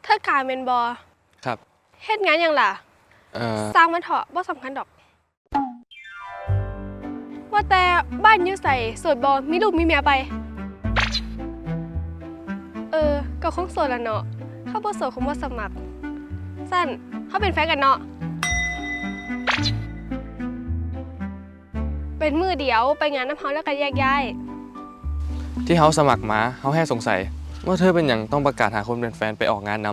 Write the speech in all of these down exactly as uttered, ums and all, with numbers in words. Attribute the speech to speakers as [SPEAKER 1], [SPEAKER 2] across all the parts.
[SPEAKER 1] ธอกายเมนบอ
[SPEAKER 2] ครับ
[SPEAKER 1] เฮ็ดงานยังล่ะ
[SPEAKER 2] เอ่อ
[SPEAKER 1] สร้างมันเถอะบ่สำคัญดอกว่าแต่บ้านอยู่ใส่โสดบอมีลูกมีเมียไปเออก็คงโสดละเนาะเขาบ่โสดคงบ่สมัครสั้นเขาเป็นแฟนกันเนาะเป็นมือเดียวไปงานน้ำเฮาแล้วก็แยกย้าย
[SPEAKER 2] ที่เขาสมัครมาเขาแค่สงสัยว่าเธอเป็นอย่างต้องประกาศหาคนเป็นแฟนไปออกงานน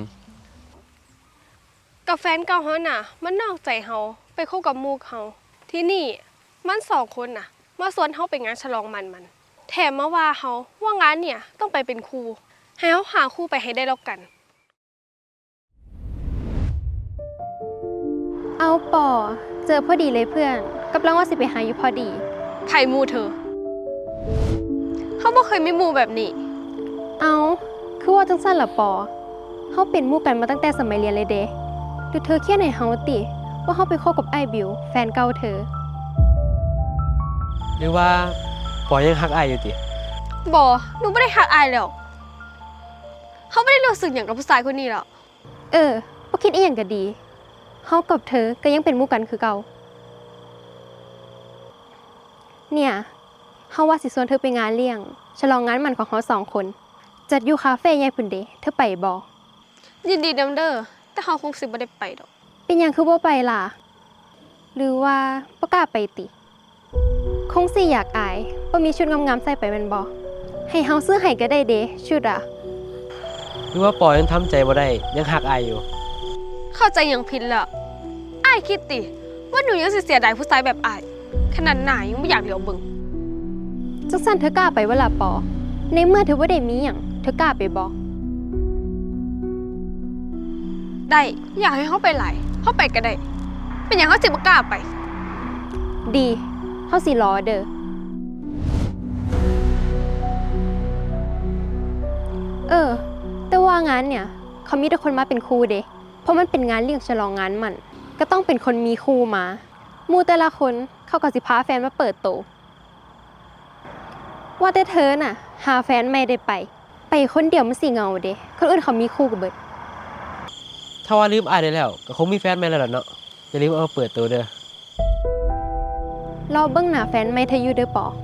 [SPEAKER 1] กับแฟนเก่าเฮาน่ะมันนอกใจเฮาไปคบกับหมู่เฮาที่นี่มันสองคนน่ะมาสวนเฮาไปงานฉลองมันมันแถมมาว่าเฮาว่างานเนี่ยต้องไปเป็นครูให้เฮาหาครูไปให้ได้แล้วกัน
[SPEAKER 3] เอาปอเจอพอดีเลยเพื่อนกำลังว่าสิไปหาอยู่พอดี
[SPEAKER 1] ไข่มูเธอเขาบ่เคยมีหมู่แบบนี้
[SPEAKER 3] เอาคือว่าจังสั้นเหรอปอเขาเป็นหมู่กันมาตั้งแต่สมัยเรียนเลยเด้หรือเธอเครียดในเฮาติว่าเขาไปคบกับไอ้บิวแฟนเก่าเธอ
[SPEAKER 4] หรือว่าปอยังฮักอายอยู่ติ
[SPEAKER 1] บ่หนูไม่ได้หักอายแล้วเขาไม่ได้รู้สึกอย่างกับผู้ชายคนนี้หรอก
[SPEAKER 3] เออบ่คิดอีหยังก็ดีเขากับเธอก็ยังเป็นหมู่กันคือเก่าเนี่ยเขาว่าสิชวนเธอไปงานเลี้ยงฉลองงานมันของเขาสองคนจัดอยู่คาเฟ่ใหญ่พุ่นเด้เธอไปบ่
[SPEAKER 1] ยินดีนำเด้อแต่เขาคงสิบ่ได้ไปดอก
[SPEAKER 3] เป็นหยังคือบ่ไปล่ะหรือว่าบ่กล้าไปติคงสิอยากอายบ่มีชุดงามๆใส่ไปแม่นบ่ให้เฮาซื้อให้ก็ได้เด้ชุดอ่ะ
[SPEAKER 4] หรือว่าปอยังทำใจบ่ได้ยังฮักอายอยู่
[SPEAKER 1] เข้าใจอย่างผิดแล้วอายคิดติว่าหนูยังสิเสียดายผู้ชายแบบอายขนาดหน้ายังไม่อยากเหลียวเบิ่ง
[SPEAKER 3] จังซั่นเธอกล้าไปบ่ล่ะปอในเมื่อเธอบ่ได้มีหยังเธอกล้าไปบ่
[SPEAKER 1] ได้อยากให้เขาไปหลายเขาไปก็ได้เป็นอย่างเขาสิบ่กล้าไป
[SPEAKER 3] ดีเฮาสิรอเด้อเออแต่ว่างานเนี่ยเขามีแต่คนมาเป็นครูเด้เพราะมันเป็นงานเลี้ยงฉลองงานมันก็ต้องเป็นคนมีครูมาหมู่แต่ละคนเขาก็สิพาแฟนมาเปิดโตว่าแต่เธอน่ะหาแฟนไม่ได้ไปไปคนเดียวมันสิเหงาเด้คนอื่นเขามีคู่กับเบิด
[SPEAKER 4] ถ้าว่าลืมอายได้แล้วก็คงมีแฟนใหม่แล้วล่ะเนาะอย่าลืมเอามาเปิดตัวเด้อ
[SPEAKER 3] รอเบิ่งหน้าแฟนใหม่เธออยู่เด้อปอ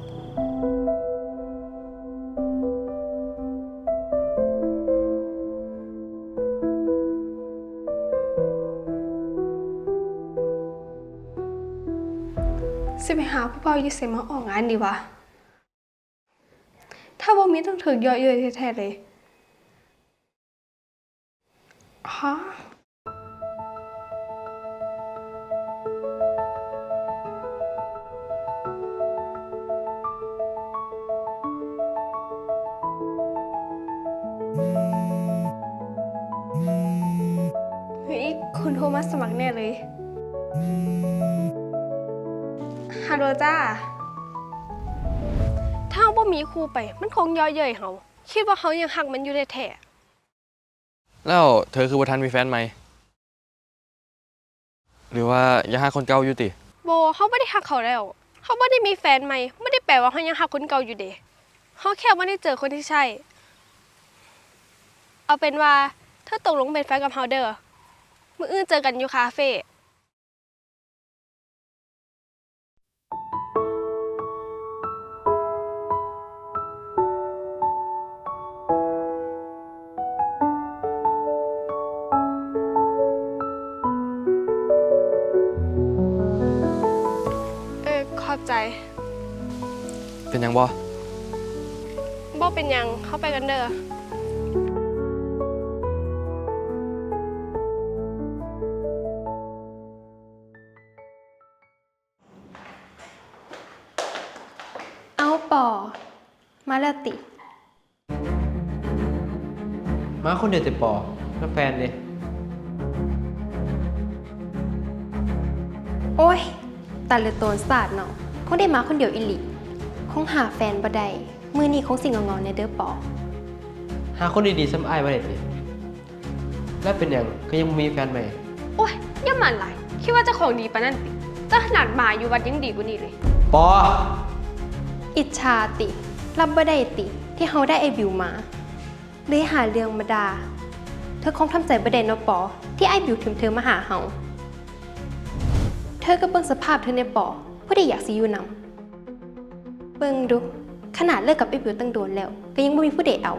[SPEAKER 1] สิไปหาผู้เฒ่าอยู่ไสมาออกงานดีวะถ้าบ่มีต้องถึกเยอะเย้ยแท้ๆเลยฮะเฮ้ยคุณโทรมาสมัครแน่เลยฮัลโหลจ้าถ้าบ่มีครูไปมันคงย่อเย้ยเฮาคิดว่าเขายังหักมันอยู่แท้
[SPEAKER 2] ำแล้วเธอคือบ่ทันมีแฟนไหมหรือว่ายังหาคนเก่าอยู่ติ
[SPEAKER 1] ๆบ่เขาบ่ได้หักเขาแล้วเขาบ่ได้มีแฟนใหม่ไม่ได้แปลว่าเขายังหักคนเก่าอยู่เด้เขาแค่บ่ได้เจอคนที่ใช่เอาเป็นว่าเธอตกลงเป็นแฟนกับเฮาเด้อมื้ออื่นเจอกันอยู่คาเฟ่ขอบใจ
[SPEAKER 2] เป็นยังบ่
[SPEAKER 1] บ่เป็นยังเข้าไปกันเด้อ
[SPEAKER 3] เอาปอมาแล้วติ
[SPEAKER 4] มาคนเดียวแต่ปอแล้วแฟนเด้
[SPEAKER 3] โอ้ยตัดเลยโตนศาสตร์เนาะคงได้มาคนเดียวอิลิคงหาแฟนบ่ได้มื้อนี้คงสิงงๆในเด้อปอ
[SPEAKER 4] หาคนดีๆซ้ำอายบ่ได้ติแล้วเป็นหยังก็ยังบ่มีแฟนใหม่
[SPEAKER 1] โอ้ยอย่ามันหลายคิดว่าเจ้าของดีปานนั้นติแต่ขนาดหมาอยู่วัดยังดีกว่านี้เลย
[SPEAKER 4] ปอ
[SPEAKER 3] อิจฉาติรับบ่ได้ติที่เฮาได้ไอ้บิวมาเลยหาเรื่องมาด่าธอคงทำใจบ่ได้เนาะปอ ที่ไอ้บิวถึงเธอมาหาเฮาเธอก็เบิ่งสภาพเธอในปอผู้ใดอยากสิอยู่นำเบิ่งดู ขนาดเลิกกับไอ้บิวตั้งโดนแล้ว ก็ยังบ่มีผู้ใดเอา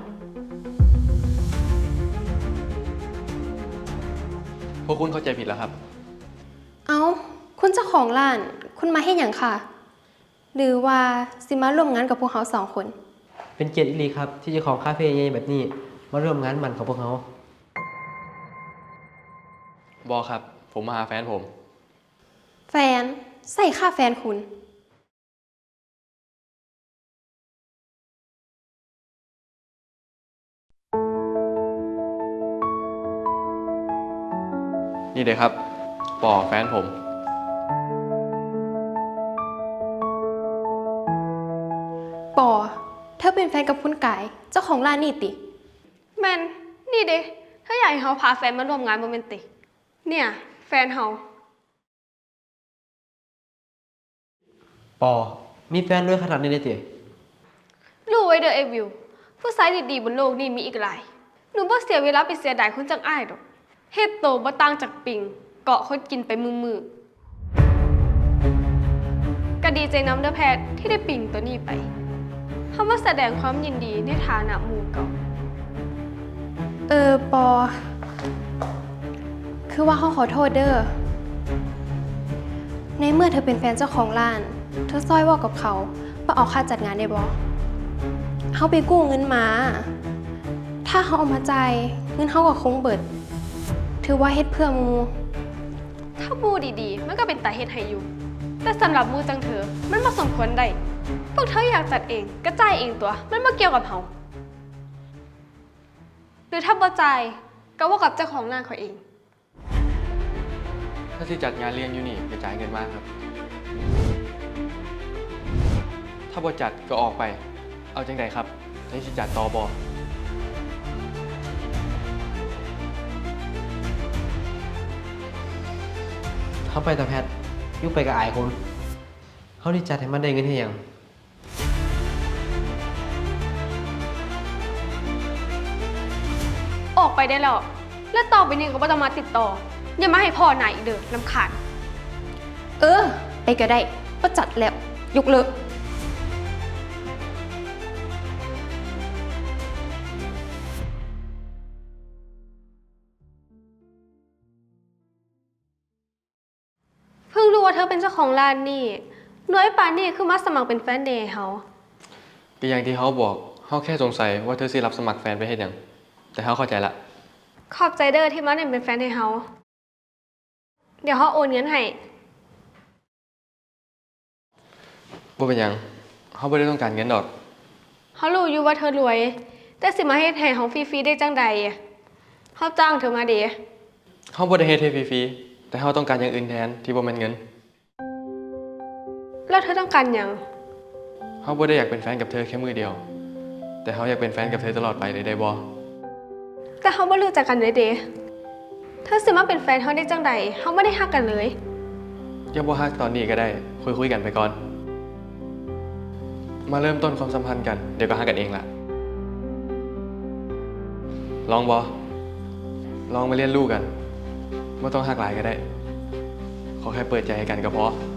[SPEAKER 2] พวกคุณเข้าใจผิดแล้วครับ
[SPEAKER 3] เอาคุณเจ้าของร้าน คุณมาเฮ็ดหยังค่ะ หรือว่าสิมาร่วมงานกับพวกเขาสองคน
[SPEAKER 4] เป็นเกียรติอีหลีครับ ที่เจ้าของคาเฟ่ใหญ่แบบนี้ มาร่วมงานมันของพวกเขา
[SPEAKER 2] บอครับ ผมมาหาแฟนผม
[SPEAKER 3] แฟน ใส่ค่าแฟนคุณ
[SPEAKER 2] นี่เลยครับ ปอแฟนผม
[SPEAKER 3] ปอ เธอเป็นแฟนกับคุณกาย เจ้าของร้านนี่ติ
[SPEAKER 1] แมนนี่เด้ถ้าอยากให้เฮาพาแฟนมาร่วมงานโรแมนติก เนี่ย แฟนเฮา
[SPEAKER 4] ปอ มีแฟนด้วยขนาดนี้เลยติ
[SPEAKER 1] รู้ไว้เด้อเอวิว ผู้ชายดีๆบนโลกนี้มีอีกหลาย หนูบ่เสียเวลาไปเสียดายคนจังอ้ายดอกเฮ็ดโตบ่ต่างจากปิง เกาะคนกินไปมือๆก็ดีใจนำเด้อแพทย์ที่ได้ปิงตัวนี้ไปเฮามาแสดงความยินดีในฐานะหมู่เก่า
[SPEAKER 3] เออ ปอ คือว่าเขาขอโทษเด้อ ในเมื่อเธอเป็นแฟนเจ้าของร้าน เธอซ้อยเว่ากับเขาว่าเอาค่าจัดงานได้บ่เขาไปกู้เงินมา ถ้าเขาเอามาจ่ายเงินเขาก็คงเบิด ถือว่าเฮ็ดเพื่อหมู
[SPEAKER 1] ถ้าหมู่ดีๆ มันก็เป็นตาเฮ็ดให้อยู่ แต่สำหรับหมู่จังเธอ มันบ่สมควรได้พวกเธออยากจัดเองก็จ่ายเองตัว มันบ่เกี่ยวกับเฮาหรือถ้าบ่จ่ายก็เว่ากับเจ้าของร้านเขาเอง
[SPEAKER 2] ถ้าที่จัดงานเลี้ยงอยู่นี่กระจายเงินมากครับ ถ้าบอจัดก็ออกไป เอาจังใดครับนี่สิจัดต่อบอ
[SPEAKER 4] เขาไปแต่แพทย์อยุบไปกับอายคนเขาที่จัดให้มันได้เงินให้หยัง
[SPEAKER 1] ออกไปได้แล้ว แล้วต่อไปนี้ก็บ่ต้องมาติดต่อ อย่ามาให้พ่อหนายอีกเด้อรำคาญ
[SPEAKER 3] เออไปก็ได้ก็จัดแล้ว ยกเลิก
[SPEAKER 1] เพิ่งรู้ว่าเธอเป็นเจ้าของร้านนี่น้อยป่านนี่คือมาสมัครเป็นแฟนเดย์เฮา
[SPEAKER 2] ก็อย่างที่เขาบอกเขาแค่สงสัยว่าเธอสิรับสมัครแฟนไปเฮ็ดหยัง แต่เขาเข้าใจละ
[SPEAKER 1] ขอบใจเด้อที่มาเนี่ยเป็นแฟนให้เฮา เดี๋ยวเฮาโอนเงินให้
[SPEAKER 2] ว่าเป็นหยังเขาไม่ได้ต้องการเงินดอก
[SPEAKER 1] เฮารู้อยู่ว่าเธอรวย แต่สิมาเฮ็ดให้เฮาฟรีๆได้จังใดเฮาจ้างเธอมาเด้
[SPEAKER 2] เขาบ่ได้เฮ็ดให้ฟรีๆแต่เขาต้องการอย่างอื่นแทนที่บ่แม่นเงิน
[SPEAKER 1] แล้วเธอต้องการหยัง
[SPEAKER 2] เขาบ่ได้อยากเป็นแฟนกับเธอแค่มือเดียว แต่เขาอยากเป็นแฟนกับเธอตลอดไปเลยได้บ่
[SPEAKER 1] แต่เฮาบ่รู้จักกันเลยเด้เธอสิมาเป็นแฟนเฮาได้จังใดเฮาบ่ได้ฮักกันเลย
[SPEAKER 2] อย่าบ่ฮักตอนนี้ก็ได้คุยคุยๆกันไปก่อน มาเริ่มต้นความสัมพันธ์กันเดี๋ยวก็ฮักกันเองล่ะ ลองบ่ลองมาเรียนรู้กันบ่ต้องฮักหลายก็ได้ ขอแค่เปิดใจให้กันก็พอ